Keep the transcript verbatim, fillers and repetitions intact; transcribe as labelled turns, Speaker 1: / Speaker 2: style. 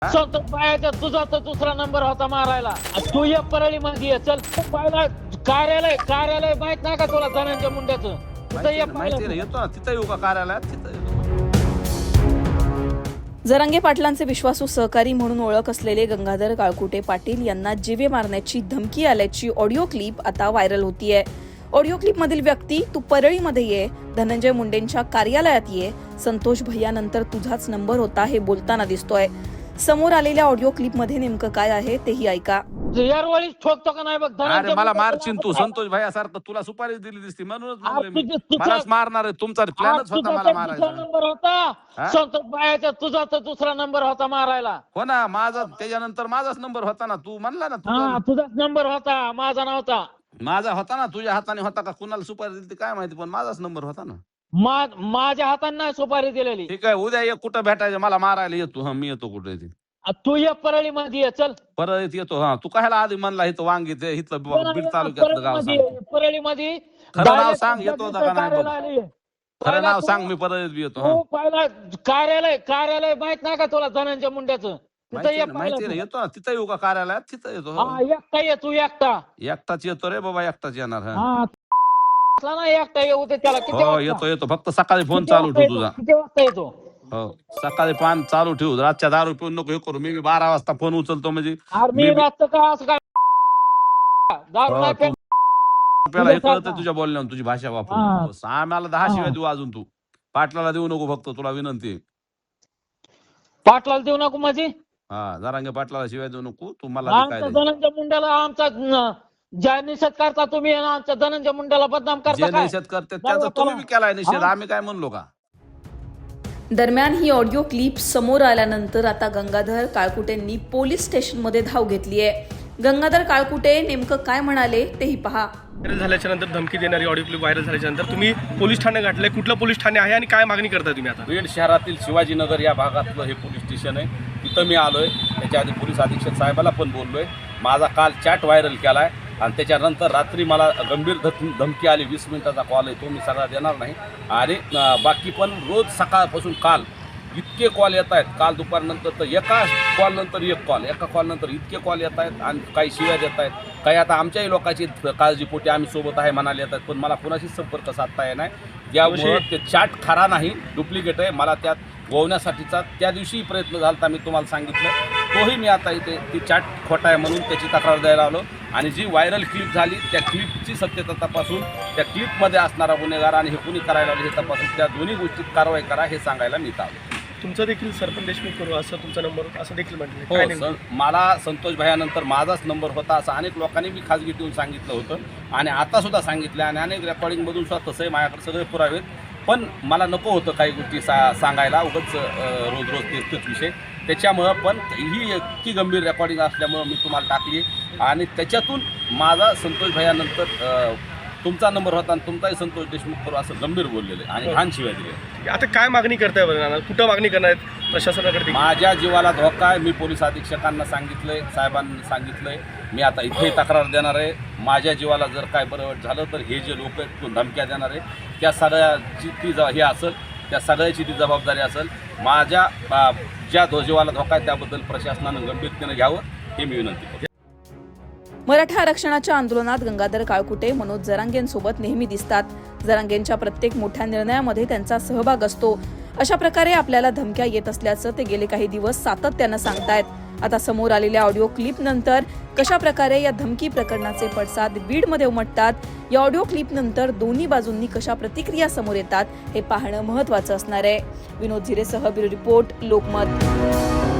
Speaker 1: संतोष बायाचा तुझा तर दुसरा नंबर होता मारायला. तू एक परळी मध्ये चल पाहिला कार्यालय कार्यालय माहित नाही का तुला धनंजय मुंड्याचं?
Speaker 2: माहिती येतो ना तिथं येऊ का कार्यालयात तिथं
Speaker 3: जरांगे पाटलांचे विश्वासू सहकारी म्हणून ओळख असलेले गंगाधर काळकुटे पाटील यांना जीवे मारण्याची धमकी आल्याची ऑडिओ क्लिप आता व्हायरल होतीये. ऑडिओ क्लिपमधील व्यक्ती तू परळीमध्ये ये, धनंजय मुंडेंच्या कार्यालयात ये, संतोष भैयानंतर तुझाच नंबर होता हे बोलताना दिसतोय. समोर आलेल्या ऑडिओ क्लिपमध्ये नेमकं काय आहे तेही ऐका.
Speaker 1: यारवाळीच ठोकतो का नाही बघ
Speaker 2: अरे मला मारचिन तू संतोष भाईसारखं तुला सुपारी दिली दिसती म्हणूनच म्हणले मी. मलाच मारणार आहे. तुमचा प्लॅनच होता मला मारायचा.
Speaker 1: नंबर होता संतोष बायाचा तुझा तर दुसरा नंबर होता मारायला.
Speaker 2: हो ना माझा त्याच्यानंतर माझाच नंबर होता ना. तू म्हणला ना
Speaker 1: हा तुझाच नंबर होता माझा नव्हता.
Speaker 2: माझा होता ना. तुझ्या हाताने होता का कुणाला सुपारी दिली काय माहिती पण माझाच नंबर होता ना.
Speaker 1: माझ्या हाताने नाही सुपारी दिलेली.
Speaker 2: ठीक आहे उद्या ये कुठं भेटायचं मला मारायला येतो. हा मी येतो कुठे ते
Speaker 1: तू एक परळी मध्ये चल
Speaker 2: परत येतो. हा तू कायला आधी म्हणला इथं वांगी ते इथलं बीड तालुक्यातलं गाव सांग.
Speaker 1: परळी मध्ये
Speaker 2: खरं नाव सांग येतो का नाही खरं नाव सांग मी परत बी येतो.
Speaker 1: पहिला कार्यालय कार्यालय माहित नाही का तुला धनंजय मुंड्याचं?
Speaker 2: माहिती नाही येतो ना तिथं येऊ का कार्यालयात तिथं येतो.
Speaker 1: एकटा ये तू एकटा
Speaker 2: एकटाच येतो रे बाबा एकटाच येणार.
Speaker 1: ना एकटा येऊ दे त्याला. किती
Speaker 2: हो येतो येतो फक्त सकाळी फोन चालू ठेव तुझा.
Speaker 1: किती वाजता येतो?
Speaker 2: हो सकाळी पान चालू ठेवू. रातच्या दारू पिऊन नको हे करू. मी बारा वाजता फोन उचलतो म्हणजे
Speaker 1: मी रातचं का असं काय दारू नाही पेत.
Speaker 2: आपल्याला हे कळतं तुझ्या बोलण्यावर तुझी भाषा वापरून. आम्हाला दहा शिवाय देऊ अजून तू. पाटलाला देऊ नको फक्त तुला विनंती.
Speaker 1: पाटलाला देऊ नको माझी.
Speaker 2: हा जरांगे पाटलाला शिवाय देऊ नको तू. मला
Speaker 1: धनंजय मुंड्याला आमचा ज्या निषेध करता तुम्ही आमच्या धनंजय मुंड्याला बदनाम करता.
Speaker 2: जे निषेध करते त्याचा तुम्ही बी केलाय निषेध. आम्ही काय म्हणलो का?
Speaker 3: दरम्यान ही ऑडिओ क्लिप समोर आल्यानंतर आता गंगाधर काळकुटेंनी पोलीस स्टेशनमध्ये धाव घेतली आहे. गंगाधर काळकुटे नेमकं काय म्हणाले तेही पहा.
Speaker 4: व्हायरल झाल्याच्या नंतर धमकी देणारी ऑडिओ क्लिप व्हायरल झाल्याच्या नंतर तुम्ही पोलीस ठाणे गाठले. कुठलं पोलीस ठाणे आहे आणि काय मागणी करताय तुम्ही आता?
Speaker 2: बीड शहरातील शिवाजीनगर या भागातलं हे पोलीस स्टेशन आहे. तिथं मी आलोय. त्याच्या आधी पोलीस अधीक्षक साहेबाला पण बोललोय. माझा काल चॅट व्हायरल केलाय आणि त्याच्यानंतर रात्री मला गंभीर धमकी आली. वीस मिनिटाचा कॉल आहे तो मी सगळा देणार नाही. आणि बाकी पण रोज सकाळपासून काल इतके कॉल येत आहेत. काल दुपारनंतर तर एका कॉल नंतर एक कॉल एका कॉल नंतर इतके कॉल येत आहेत आणि काही शिव्या देत आहेत. काही आता आमच्याही लोकांची काळजीपोटी आम्ही सोबत आहे म्हणाले येतात पण मला कुणाशीच संपर्क साधता येणार नाही. त्यामुळे ते चॅट खरा नाही डुप्लिकेट आहे. मला त्यात गोवण्यासाठीचा त्या दिवशी प्रयत्न झाला होता मी तुम्हाला सांगितलं. तोही मी आता इथे ती चॅट खोटा आहे म्हणून त्याची तक्रार द्यायला आलो. आणि जी व्हायरल क्लिप झाली त्या क्लिपची सत्यता तपासून त्या क्लिपमध्ये असणारा गुन्हेगार आणि हे कुणी करायला आले हे तपासून त्या दोन्ही गोष्टीत कारवाई करा हे सांगायला मी आलो.
Speaker 4: तुमचं देखील सरपंच देशमुख करू असं तुमचा नंबर असं देखील
Speaker 2: हो
Speaker 4: म्हटलं.
Speaker 2: मला संतोष भैयानंतर माझाच नंबर होता असं अनेक लोकांनी मी खाजगी ठेवून सांगितलं होतं आणि आता सुद्धा सांगितलं आणि अनेक रेकॉर्डिंगमधून सुद्धा तसंही माझ्याकडे सगळे पुरावे. पण मला नको होतं काही गोष्टी सा सांगायला उगाच रोज रोज तेच तेच विषय. त्याच्यामुळं पण ही इतकी गंभीर रेकॉर्डिंग असल्यामुळं मी तुम्हाला टाकली आणि त्याच्यातून माझा संतोष भैयानंतर तुमचा नंबर होता आणि तुमचाही संतोष देशमुख करू असं गंभीर बोललेलं आहे आणि घाण शिवाय दिले.
Speaker 4: आता काय मागणी करताय बरं? कुठं मागणी करणार आहेत प्रशासनाकडे?
Speaker 2: माझ्या जीवाला धोका आहे. मी पोलीस अधीक्षकांना सांगितलंय साहेबांनी सांगितलंय. मी आता इथेही तक्रार देणार आहे. माझ्या जीवाला जर काय बरं झालं तर हे जे लोक आहेत धमक्या देणार आहे त्या सगळ्याची ती हे असेल त्या सगळ्याची ती जबाबदारी असेल. माझ्या ज्या जीवाला धोका आहे त्याबद्दल प्रशासनानं गंभीरतेनं घ्यावं हे मी विनंती करतो.
Speaker 3: मराठा आरक्षणाच्या आंदोलनात गंगाधर काळकुटे मनोज जरांगेंसोबत नेहमी दिसतात. जरांगेंच्या प्रत्येक मोठ्या निर्णयामध्ये त्यांचा सहभाग असतो. अशा प्रकारे आपल्याला धमक्या येत असल्याचं ते गेले काही दिवस सातत्यानं सांगतायत. आता समोर आलेल्या ऑडिओ क्लिप नंतर कशा प्रकारे या धमकी प्रकरणाचे पडसाद बीडमध्ये उमटतात, या ऑडिओ क्लिप नंतर दोन्ही बाजूंनी कशा प्रतिक्रिया समोर येतात हे पाहणं महत्त्वाचं असणार आहे. विनोद झिरेसह ब्युरो रिपोर्ट, लोकमत.